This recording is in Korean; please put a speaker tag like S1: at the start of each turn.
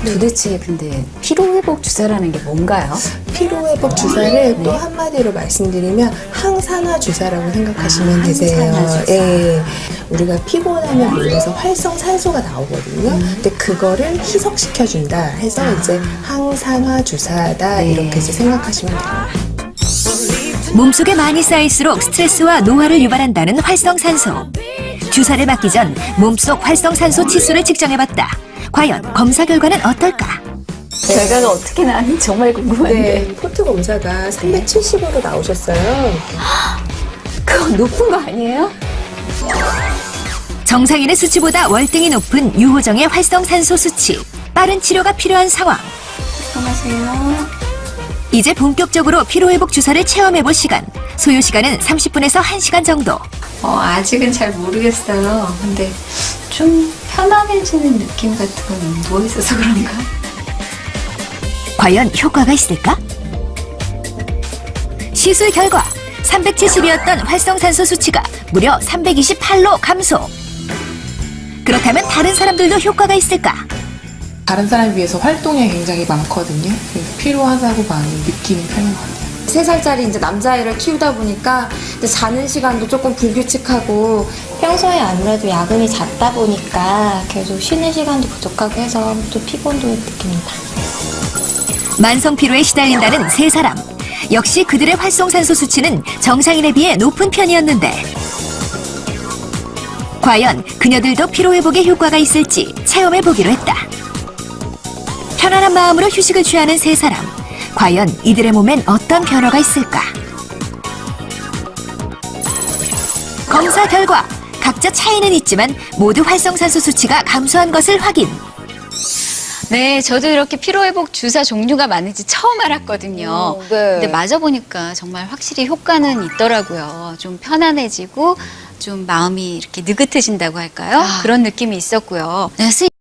S1: 도대체 근데 피로회복 주사라는 게 뭔가요?
S2: 피로회복 주사를 또 한마디로 말씀드리면 항산화 주사라고 생각하시면 되세요.
S1: 항산화 주사.
S2: 예. 우리가 피곤하면 몸에서 활성산소가 나오거든요. 근데 그거를 희석시켜준다 해서 이제 항산화 주사다
S1: 네.
S2: 이렇게 이제 생각하시면 됩니다.
S3: 몸속에 많이 쌓일수록 스트레스와 노화를 유발한다는 활성산소. 주사를 맞기 전 몸속 활성산소 치수를 측정해봤다. 과연 검사 결과는 어떨까?
S1: 결과가 어떻게 나왔는지 정말 궁금한데.
S2: 네, 포트 검사가 370으로 나오셨어요.
S1: 그거 높은 거 아니에요?
S3: 정상인의 수치보다 월등히 높은 유호정의 활성산소 수치. 빠른 치료가 필요한 상황.
S1: 안녕하세요.
S3: 이제 본격적으로 피로회복 주사를 체험해볼 시간. 소요 시간은 30분에서 1시간 정도.
S1: 아직은 잘 모르겠어요. 근데 좀 편안해지는 느낌 같은 건 뭐 있어서 그런가?
S3: 과연 효과가 있을까? 시술 결과 370이었던 활성산소 수치가 무려 328로 감소. 그렇다면 다른 사람들도 효과가 있을까?
S4: 다른 사람에 비해서 활동량이 굉장히 많거든요. 그래서 필요하다고 많이 느끼는 편인 것 같아요.
S5: 3살짜리 이제 남자아이를 키우다 보니까 이제 자는 시간도 조금 불규칙하고
S6: 평소에 아무래도 야근이 잦다 보니까 계속 쉬는 시간도 부족하고 해서 또 피곤도 느낍니다.
S3: 만성 피로에 시달린다는 세 사람. 역시 그들의 활성산소 수치는 정상인에 비해 높은 편이었는데 과연 그녀들도 피로회복에 효과가 있을지 체험해보기로 했다. 편안한 마음으로 휴식을 취하는 세 사람. 과연 이들의 몸엔 어떤 변화가 있을까? 검사 결과 각자 차이는 있지만 모두 활성산소 수치가 감소한 것을 확인.
S7: 네, 저도 이렇게 피로회복 주사 종류가 많은지 처음 알았거든요.
S5: 네.
S7: 근데 맞아보니까 정말 확실히 효과는 있더라고요. 좀 편안해지고 좀 마음이 이렇게 느긋해진다고 할까요? 그런 느낌이 있었고요. 네,